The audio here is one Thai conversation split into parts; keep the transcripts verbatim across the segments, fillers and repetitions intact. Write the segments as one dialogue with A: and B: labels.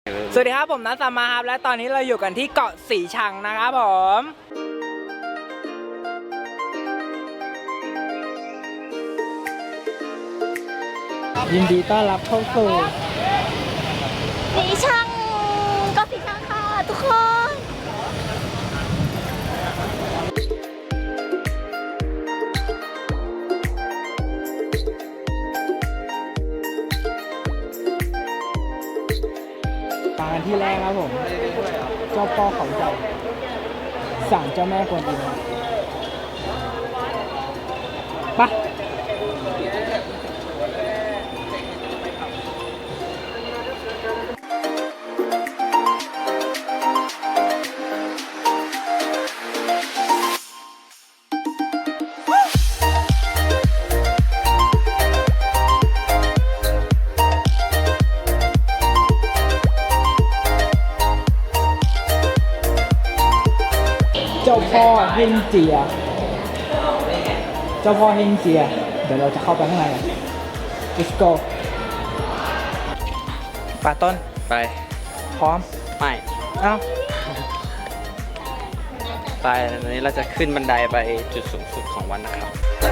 A: สวัสดีครับผมนัทสามาครับและตอนนี้เราอยู่กันที่เกาะสีชังนะครับผมยินดีต้อนรับเข้าสู่
B: สีชังเกาะสีชังค่ะทุกคน
A: มากันที่แรกครับผมเจ้าพ่อเขาใหญ่ศาลเจ้าแม่กวนอิมไปเจ้าพ่อเฮงเจียเจ้าพ่อเฮงเจียเดี๋ยวเราจะเข้าไปข้างในกัน let's go ป่าต้น
C: ไป
A: พร้อม
C: ไม่
A: เอ้า
C: ไปตอนนี้เราจะขึ้นบันไดไปจุดสูงสุดของวันนะครับ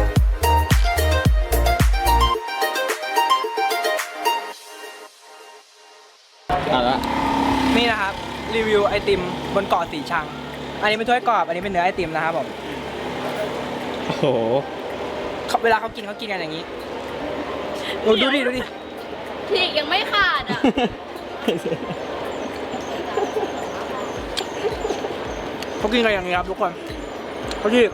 C: เอาละ
A: นี่นะครับรีวิวไอติมบนเกาะสีชังอันนี้เป็นถ้วยกรอบอันนี้เป็นเนื้อไอติมนะครับผม
C: โอ้โห
A: เขาเวลาเขากินเขากินกันอย่างนี้ดูดูดิดูดิ
B: ที่ยังไม่ขาดอ่ะ
A: เขากินกันอย่างนี้ครับทุกคนเขาที่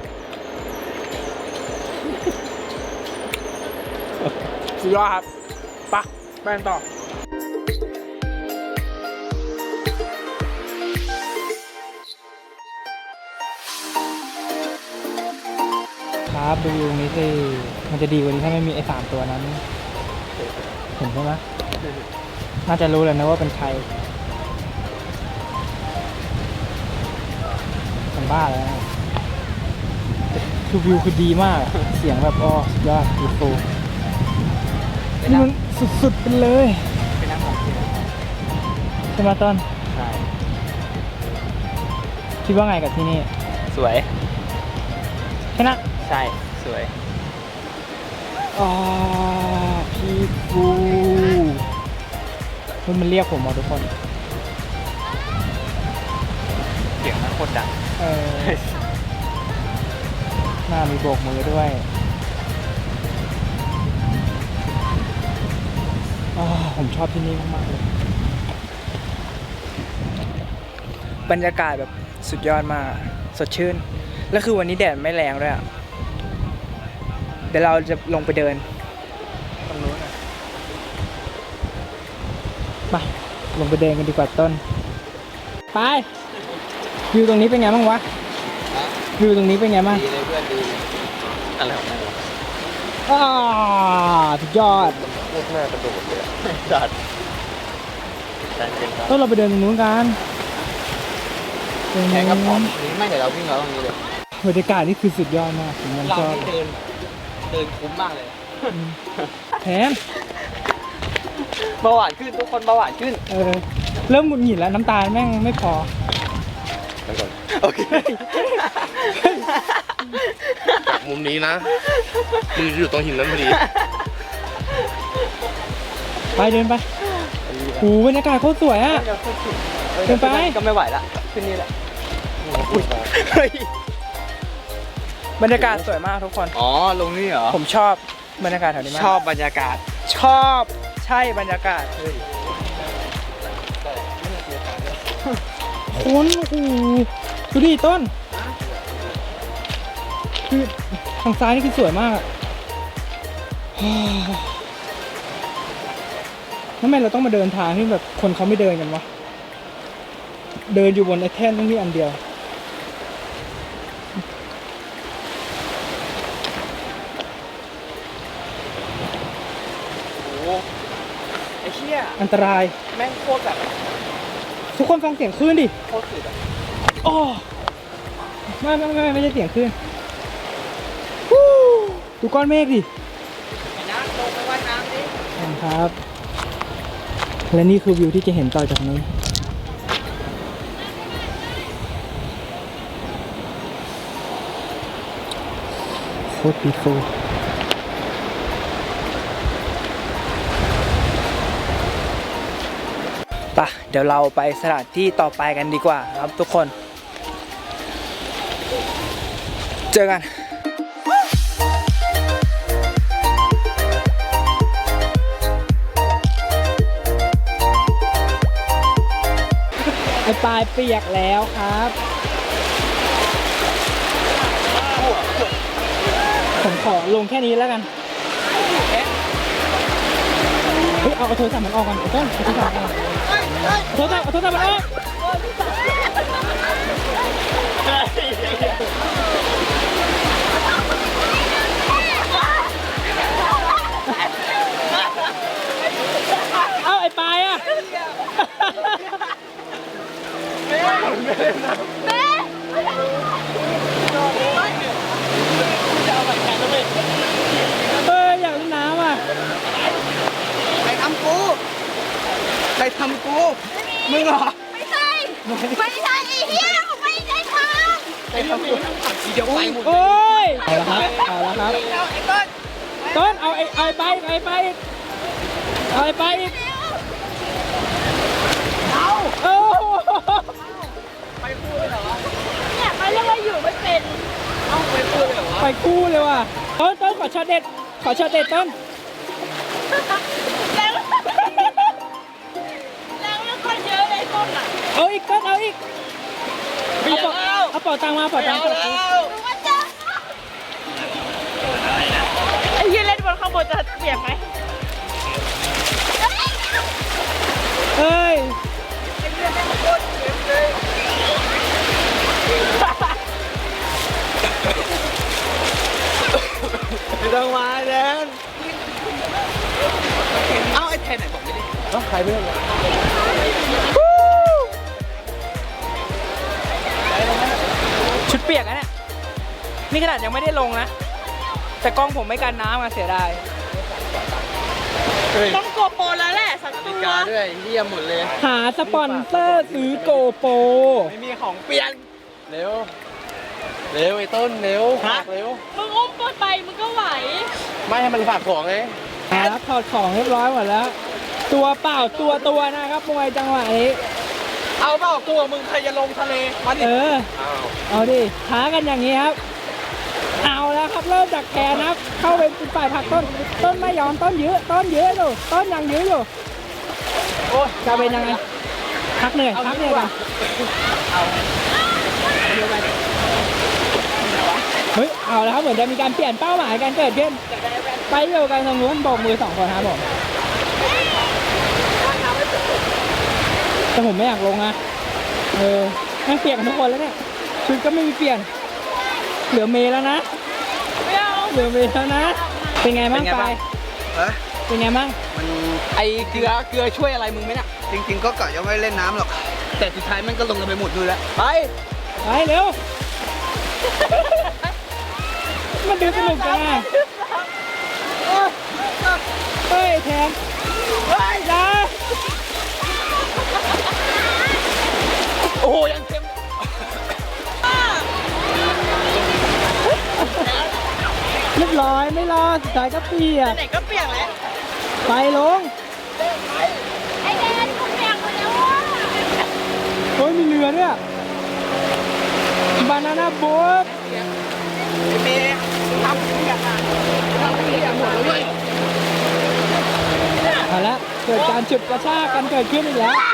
A: สุดยอดครับไปไปกันต่อครับดูตรงนี้สิมันจะดีกว่านี้ถ้าไม่มีไอ้สามตัวนั้นเห็นใช่ไหมน่าจะรู้เลยนะว่าเป็นใครมันบ้าแล้วนะคือวิวคือดีมากเสียงแบบอ๋อสุดยอดดีฟูนี่มันสุดๆไปเลย
C: เป็นนักของเที่ยว
A: ใช่ไหมต้น
C: ใช่
A: คิดว่าไงกับที่นี่
C: สวย
A: แค่นั้น
C: ใช่สวย
A: อ๋อพี่ฟูมันมันเรียกผมมาทุกคน
C: เสียงมันโคตรดัง
A: เออหน้ามีโบกมือด้วยอ๋อผมชอบที่นี่มากๆเลยบรรยากาศแบบสุดยอดมากสดชื่นแล้วคือวันนี้แดดไม่แรงด้วยอ่ะเดี๋ยวเราจะลงไปเดินตรงนู้นไปลงไปเดินกันดีกว่าต้นไปวิวตรงนี้เป็นไงบ้างวะวิวตรงนี้เป็นไงบ้าง
C: ดีเลยเพื่อนดีอะไรของมัน
A: อ่าสุดยอด
C: โคตรน่ากระโดดเลยจัดจัดเก่งครับ
A: ต้นเราไปเดินตรงนู้นกันตรง
C: แข่งกับผ
A: นู้
C: ม
A: น
C: ไม่เดี๋ยวเราวิ่งเราตรงนี้เลย
A: บรรยากาศนี่คือสุดยอดมากผมยัง
C: เรา
A: ชอบ
C: ที่เดินเดินคุ้มมากเลย
A: แถม
C: เบาหวานขึ้นทุกคนเบาหวานขึ้น
A: เออเริ่มหงุดหงิดแล้วน้ำตาลแม่งไม่พอ
C: โอเค
D: จากมุมนี้นะมึงอยู่ตรงหินนั้นพอดี
A: ไปเดินไปโอ้บรรยากาศโคตรสวยอ่ะ เดินไป
C: ก็ไม่ไหวละขึ้นนี่แหละ
A: บรรยากาศสวยมากทุกคน
C: อ๋อลงนี่เหรอ
A: ผมชอบบรรยากาศแถวนี้มาก
C: ชอบบรรยากาศ
A: ชอบใช่บรรยากาศคุณโอ้โหดูดิต้นคือทางซ้ายนี่คือสวยมากอะทำไมเราต้องมาเดินทางที่แบบคนเขาไม่เดินกันวะเดินอยู่บนไอ้แท่นตรงนี้อันเดียว
C: โอ้ไอ้เชี่ย
A: อันตราย
C: แม่งโคตรแบบ
A: ทุกคนฟังเสียงคลื่นดิ
C: โคตรสุดอะ
A: โอ้ไม่ไม่ไม่ไม่ใช่เสียงคลื่นฮู้ดูก้อนเมฆดิ
C: ไอ้น้ำลงไปว่ายน้ำดิ
A: ครับและนี่คือวิวที่จะเห็นต่อจากนี้โคตรปีโฟปะเดี๋ยวเราไปสถานที่ต่อไปกันดีกว่าครับทุกคน เจอกัน ไอปลายเปียกแล้วครับ ผมขอลงแค่นี้แล้วกัน เฮ้ย เอาเอาโทรศัพท์มันออกก่อนเอาต้นเอาโทรศัพท์มันออกโทรศัพท์เอาโทรศัพท์มันออกเอาไอ้ปลายอ่ะเฮ้ยอยากเล่นน้ำอ่ะใครทำกูใครทำกูมึงเหรอ
B: ไม่ใช่ไม่ใช่ไอ้เหี้ยไม่ใช่ทาง
A: ใครทำกูเดี๋ยวไปหมดโอ้ยเอาละครับเอาละครับต้นเอาไอ้ไอ้ไปไอ้ไปเอาไอ้ไปอีกเอาโอ้ไปคู่เลยเหรอ
B: เนี่ยเขาเรียกว่าอยู่ไม่เป็น
A: เอาไปคู่เลยเหรอไปคู่เลยว่ะต้นต้นขอช็อตเด็ดขอช็อตเด็ดต้น
B: แล้วแล้วแล้วคนเยอะเลยต้นอ่ะ
A: เอาอีกต้นเอาอีกเอาเป๋าเอาเป๋าตังมาเป๋าตังมา
B: ไอ้ยืนเล่นบนข้างบนจะเปียกไหม
A: เฮ้ยไม่ต้องมาแดนเอาไอ้แทนไหนบอกไม่ได้ต้องใครเพื่อนเลยชุดเปียกนะเนี่ยนี่ขนาดยังไม่ได้ลงนะแต่กล้องผมไม่กันน้ำมาเสียดาย
B: ต้องโกโปรแล้วแหละสักตัว
C: กาด้วยเยี่ยมหมดเลย
A: หาสปอนเซอร์ซื้อโกโปร
C: ไม่มีของเปลี่ยนเร็วเร็วไอ้ต้นเร็วฝากเร็ว
B: มึงอุ้มตัวไปมึงก็ไหว
C: ไม่ให้มันฝากของไง
A: ครับถอดของเรียบร้อยหมดแล้วตัวเปล่าตัวตัวนะครับมวยจังหวะนี้
C: เอาเปล่าตัวมึงใครจะลงทะเลมาดิ
A: เออเอาดิท้ากันอย่างนี้ครับเอาแล้วครับเริ่มจากแขนครับเข้าไปเป็นฝ่ายผักต้นต้นไม่ยอมต้นยื้อต้นยื้ออยู่ต้นยังยื้ออยู่โอ้จะเป็นยังไงพักเหนื่อยพักเหนื่อยก่อนเฮ้ยเอาแล้วครับเหมือนจะมีการเปลี่ยนเป้าหมายกันเกิดขึ้นไปอยู่กันตรงนู้นโบกมือสองคนครับผมแต่ผมไม่อยากลงนะเออแม่งเปลี่ยนกันทุกคนแล้วเนี่ยชุดก็ไม่มีเปลี่ยนเหลือเมย์แล้วนะเหลือเมย์แล้วนะเป็นไงบ้างไปเป็นไงบ้าง
C: มันไอเกลือเกลือช่วยอะไรมึงไหมเนี่ยจริงๆก็กะยังไม่เล่นน้ำหรอกแต่สุดท้ายมันก็ลงกันไปหมดเลยแล้วไป
A: ไปเร็วมันดูสนุกจังอ่ะเฮ้ยแทนเฮ้ยจ้า
C: โอ้โหยังเค็ม
A: เรียบร้อยไม่รอสุดท้ายก็เปียก
B: ไหนก็เปียกแล้ว
A: ไปลง
B: ไอแดนกูเปียกหมดแล้วว่ะ
A: โอ้ยมีเรือด้วยบานาน่าโบ๊ท
C: เมย์ทำเปียกอ่ะทำเปียกหมดเลย
A: เอาละเกิดการฉุดกระชากกันเกิดขึ้นอีกแล้ว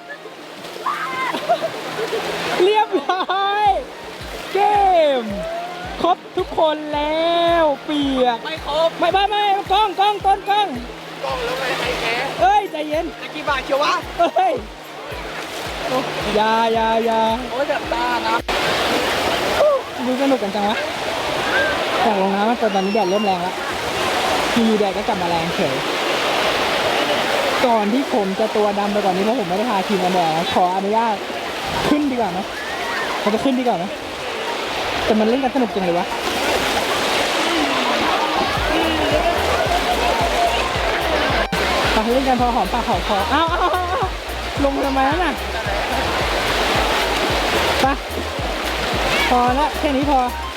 A: เรียบร้อยเกมครบทุกคนแล้วเปียก
C: ไม่ครบ
A: ไม่ไม่ไม่กล้องกล้องต้นกล้อง
C: กล้องแล้วไงไอ้แก
A: เอ้ยใจเย็น
C: ตะกี้บาทเชียววะ
A: เอ้ยยายายา
C: โอ้ยแบบตานะ
A: ดูสนุกกันจังวะแต่ลงน้ำตอนนี้แดดเริ่มแรงแล้วอยู่แดดก็กลับมาแรงเฉยก่อนที่ผมจะตัวดำไปกว่านี้เพราะผมไม่ได้พาทีมมาแดดขออนุญาตขึ้นดีกว่าไหมเราจะขึ้นดีกว่าไหมแต่มันเล่นกันสนุกจริงเลยวะไปเล่นกันพอหอมปากหอมคอเอ้าเอ้าเอ้าเอ้าลงทำไมนั่นน่ะไปพอแล้วแค่นี้พอ